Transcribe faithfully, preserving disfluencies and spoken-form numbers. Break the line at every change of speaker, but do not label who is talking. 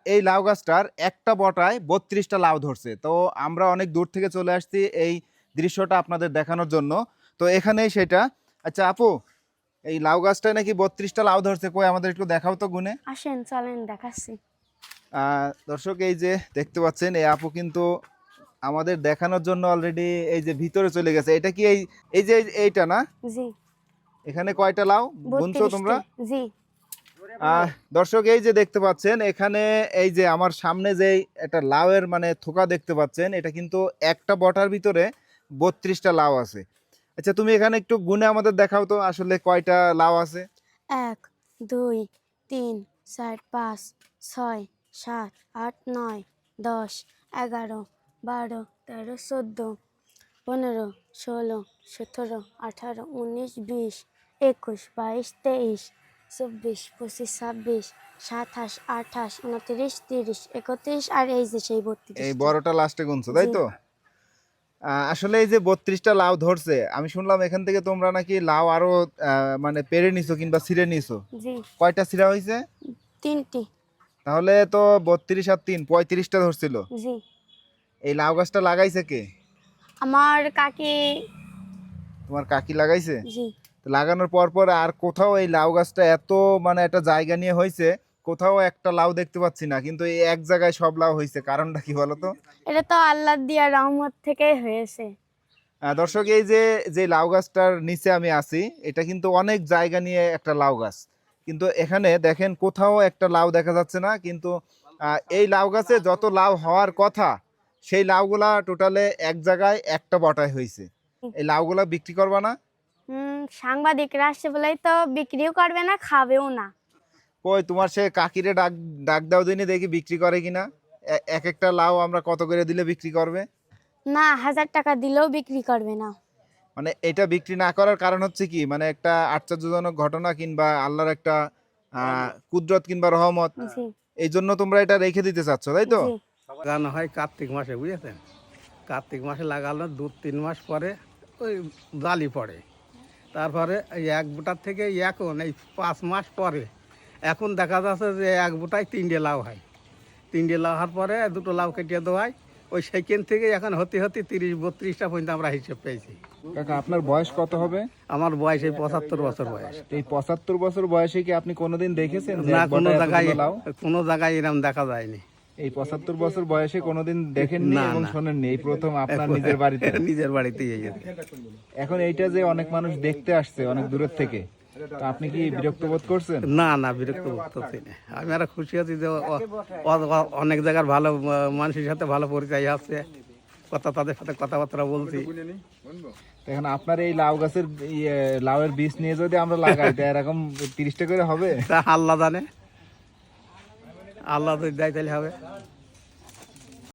এই লাউ গাছটার একটা বটায় বত্রিশটা লাউ ধরছে। তো আমরা অনেক দূর থেকে চলে আসছি এই দৃশ্যটা আপনাদের দেখানোর জন্য। তো এখানেই সেটা। আচ্ছা আপু, এই লাউ গাছটায় নাকি বত্রিশটা লাউ ধরছে, কই আমাদের একটু দেখাও তো গুনে।
আসেন চলেন দেখাচ্ছি।
আহ, দর্শক এই যে দেখতে পাচ্ছেন এই আপু কিন্তু আমাদের দেখানোর জন্য অলরেডি এই যে ভিতরে চলে গেছে। এটা কি এই এই যে এইটা না?
জি
এখানে কয়টা লাউ গুনছো তোমরা?
বত্রিশটা। জি
আহ দর্শক এই যে দেখতে পাচ্ছেন এখানে এই যে আমার সামনে যে একটা লাউয়ের মানে থোকা দেখতে পাচ্ছেন, এটা কিন্তু একটা বটার ভিতরে বত্রিশটা লাউ আছে। আচ্ছা তুমি এখানে একটু গুনে আমাদের দেখাও তো আসলে কয়টা লাউ আছে।
এক দুই তিন চার পাঁচ ছয় সাত আট নয় দশ এগারো বারো তেরো চোদ্দো পনেরো ষোলো সতেরো আঠারো উনিশ বিশ একুশ বাইশ তেইশ চব্বিশ পঁচিশ ছাব্বিশ সাতাশ আঠাশ উনত্রিশ তিরিশ একত্রিশ আর এই যে সেই বত্রিশ।
এই বড়টা লাস্টে গুনছো তাই তো? আহ, আসলে এই যে বত্রিশটা লাউ ধরছে, আমি শুনলাম এখান থেকে তোমরা নাকি লাউ আরো আহ, মানে পেরে নিছো কিংবা ছিঁড়ে নিছো।
জি
কয়টা ছিঁড়া হয়েছে?
তিনটি।
তাহলে তো বত্রিশ আর তিন পঁয়ত্রিশটা ধরছিল।
জি
এই লাউ গাছটা লাগাইছে কে?
আমার কাকি।
তোমার কাকি লাগাইছে?
জি
তো লাগানোর পর পর আর কোথাও এই লাউ গাছটা এত মানে একটা জায়গা নিয়ে হয়েছে, কোথাও একটা লাউ দেখতে পাচ্ছি না, কিন্তু এই এক জায়গায় সব লাউ হয়েছে, কারণটা কি বলো তো?
এটা তো আল্লাহ দিয়া রহমত থেকেই হয়েছে।
আহ, দর্শক এই যে যে লাউ গাছটার নিচে আমি আছি, এটা কিন্তু অনেক জায়গা নিয়ে একটা লাউ গাছ, কিন্তু এখানে দেখেন কোথাও একটা লাউ দেখা যাচ্ছে না। কিন্তু আহ, এই লাউ গাছে যত লাউ হওয়ার কথা সেই লাউগুলা টোটালে এক জায়গায় একটা বটায় হয়েছে। এই লাউগুলা বিক্রি করবা না?
হুম সাংবাদিকরা আসছে বলেই তো বিক্রিও করবে না খাবেও না।
কই তোমার সে কাকিরে ডাক ডাক দাও দিনে দেখি বিক্রি করে কিনা। এ- এক একটা লাউ আমরা কত করে দিলে বিক্রি করবে?
না হাজার টাকা দিলেও বিক্রি করবে না।
মানে এটা বিক্রি না করার কারণ হচ্ছে কি, মানে একটা আশ্চর্যজনক ঘটনা কিংবা আল্লাহর একটা আহ কুদরত কিংবা রহমত,
জি
এই জন্য তোমরা এটা রেখে দিতে চাচ্ছ তাই তো?
জি
লাগানো হয় কার্তিক মাসে, বুঝেছেন? কার্তিক মাসে লাগানো দু তিন মাস পরে ওই জালি পড়ে। তারপরে এই এক বুটার থেকে এখন এই পাঁচ মাস পরে এখন দেখা যাচ্ছে যে এক বুটায় তিনটে লাউ হয়। তিনটে লাউ হওয়ার পরে দুটো লাউ কেটে দেওয়া হয়। ওই সেখান থেকে এখন হতে হতে তিরিশ বত্রিশটা পর্যন্ত আমরা হিসেব পেয়েছি।
কাকা আপনার বয়স কত হবে?
আমার বয়স এই পঁচাত্তর বছর বয়স।
এই পঁচাত্তর বছর বয়সে কি আপনি কোনোদিন দেখেছেন যে
না
এক
কোনো
বটায়
জায়গায়
এতগুলো লাউ?
কোনো জায়গায় এরকম দেখা যায়নি।
এই পঁচাত্তর বছর বয়সে কোনোদিন দেখেননি
না,
এবং
না।
শোনেননি, এই প্রথম আপনার নিজের বাড়িতে?
নিজের বাড়িতেই এই যে।
এখন এইটা যে অনেক মানুষ দেখতে আসছে অনেক দূরের থেকে, তো আপনি কি বিরক্ত বোধ করছেন?
না না বিরক্ত বোধ করছি না, আমি আরো খুশি আছি যে ও- ও- ও- অনেক জায়গার ভালো আহ, মানুষের সাথে ভালো পরিচয় আছে, কথা তাদের সাথে কথাবার্তা বলছি।
এখন আপনার এই লাউ গাছের ইয়ে, লাউয়ের বীজ নিয়ে যদি আমরা লাগাই তা এরকম তিরিশটা করে হবে?
তা আল্লাহ জানে, আল্লাহ যদি দেয় তাহলে হবে।